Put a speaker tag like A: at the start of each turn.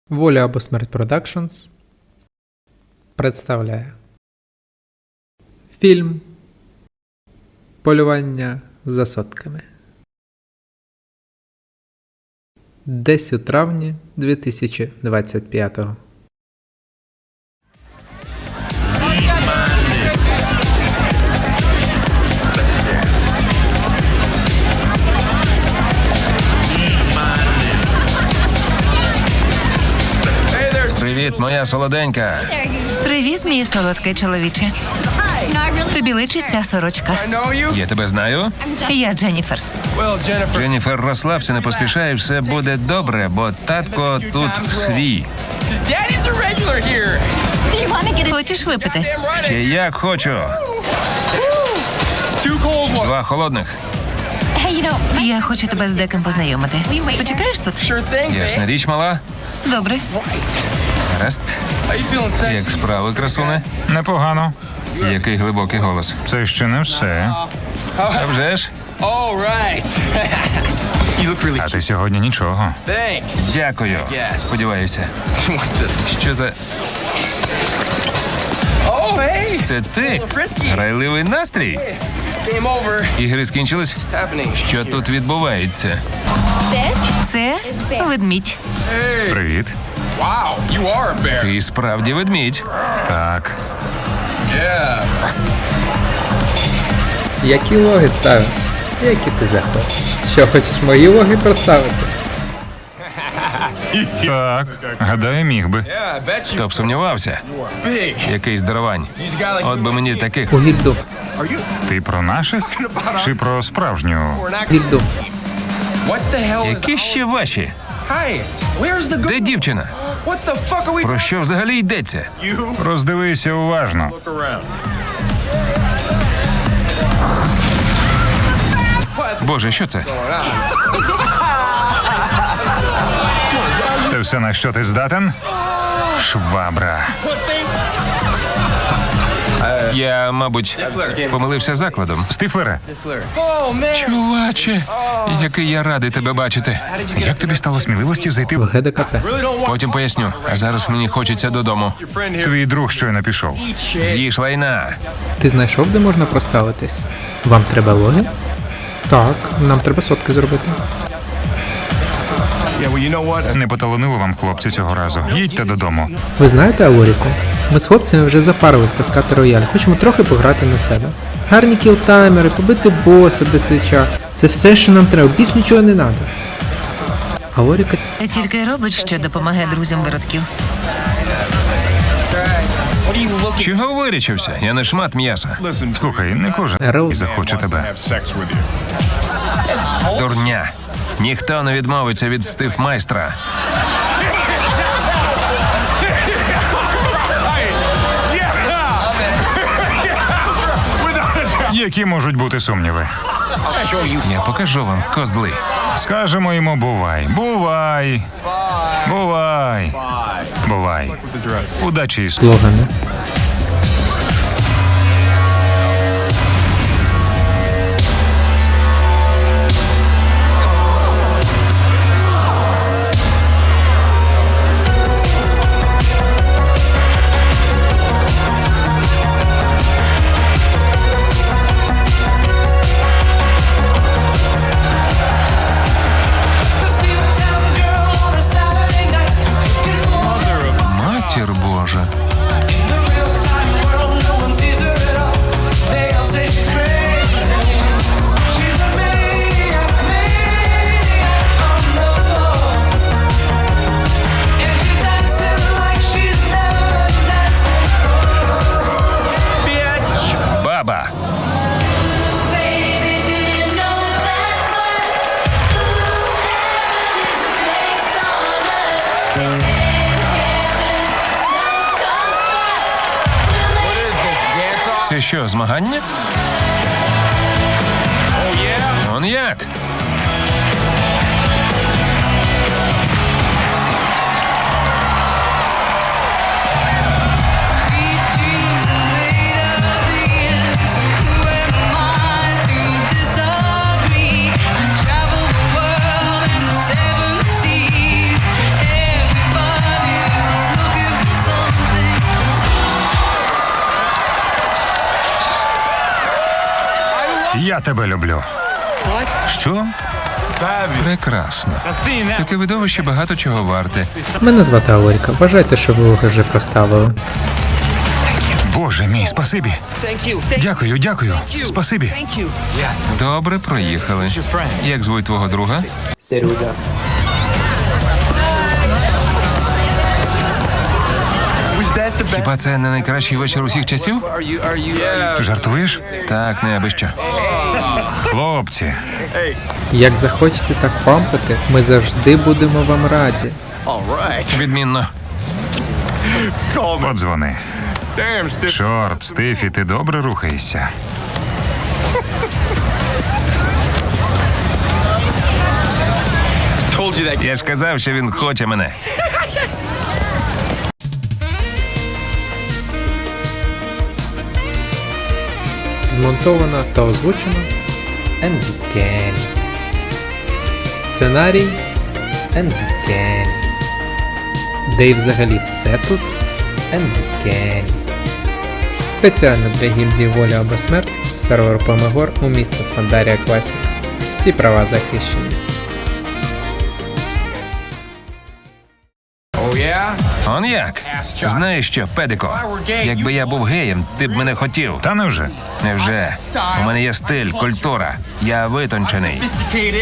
A: Воля або смерть Продакшнс представляє фільм Полювання за сотками. Десь у травні 2025-го.
B: Привіт, моя солоденька.
C: Привіт, мій солодкий чоловіче. Тобі личить ця сорочка.
B: Я тебе знаю.
C: Я Дженніфер.
B: Дженніфер, розслабся, не поспішай, все буде добре, бо татко тут свій.
C: Хочеш випити?
B: Ще як хочу. Два холодних.
C: Я хочу тебе з деким познайомити. Почекаєш тут?
B: Ясна річ, мала.
C: Добре.
B: Гаразд. Як справи, красуне?
D: Непогано.
B: Який глибокий голос.
D: Це ще не все.
B: А вже ж?
D: А ти сьогодні нічого.
B: Дякую. Сподіваюся. Що за... Це ти? Грайливий настрій? Ігри скінчились? Що тут відбувається?
C: Це ведмідь.
D: Привіт.
B: Ти справді ведмідь.
D: Так.
A: Які логи ставиш? Які ти захочеш? Що, хочеш мої логи проставити?
D: Так. Гадаю, міг би.
B: Хто б сумнівався? Який здоровань. От би мені таких.
A: У гільду.
D: Ти про наших? Чи про справжню?
A: Гільду.
B: Які ще ваші? Де дівчина? Про що взагалі йдеться?
D: Роздивися уважно.
B: Боже, що це?
D: Це все, на що ти здатен? Швабра.
B: Я, мабуть, помилився закладом.
D: Стифлере,
B: Чуваче, який я радий тебе бачити.
D: як тобі стало сміливості зайти
A: В
D: в...
A: ГДКП.
B: Потім поясню, а зараз мені хочеться додому.
D: Твій друг щойно пішов.
B: З'їж лайна.
A: Ти знайшов, де можна проставитись? Вам треба логи? Так, нам треба сотки зробити.
D: Не поталонило вам, хлопці, цього разу. Їдьте додому.
A: Ви знаєте Алоріку? Ми з хлопцями вже запарились таскати рояль. Хочемо трохи пограти на себе. Гарні кілтаймери, побити боса без свіча. Це все, що нам треба, більш нічого не треба. Алоріка
C: Тільки й робить, що допомагає друзям виродків.
B: Чого вирічився? Я не шмат м'яса.
D: Слухай, не кожен
A: Ерл.
D: захоче тебе.
B: Дурня. Ніхто не відмовиться від стифмайстра.
D: Які можуть бути сумніви?
B: Я покажу вам, козли.
D: Скажемо йому бувай. Бувай. Бувай. Бувай. Удачі із...
A: слогани.
B: Матір Божа. Баба. Це що, змагання? Он як?
D: Я тебе люблю. Що?
B: Прекрасно. Таке видовище багато чого варте.
A: Мене звати Алоріка. Вважайте, що ви його вже проставили.
D: Боже мій, спасибі. Дякую, дякую. Спасибі.
B: Добре, проїхали. Як звуть твого друга?
A: Сережа.
B: Хіба це не найкращий вечір усіх часів?
D: Жартуєш?
B: Так, не аби що.
D: Хлопці,
A: Як захочете так пампити, ми завжди будемо вам раді.
B: Відмінно.
D: подзвони. Чорт, Стефі, ти добре рухаєшся.
B: Я ж казав, що він хоче мене.
A: Змонтовано та озвучено Ензікен. Сценарій Ензікен. Де й взагалі все тут Ензікен. Спеціально для гільдії Воля або Смерть, сервер Помегор у місті Фандарія Класік. Всі права захищені.
B: Он як? Знаєш що, педико? Якби я був геєм, ти б мене хотів.
D: Та невже?
B: Невже? У мене є стиль, культура. Я витончений.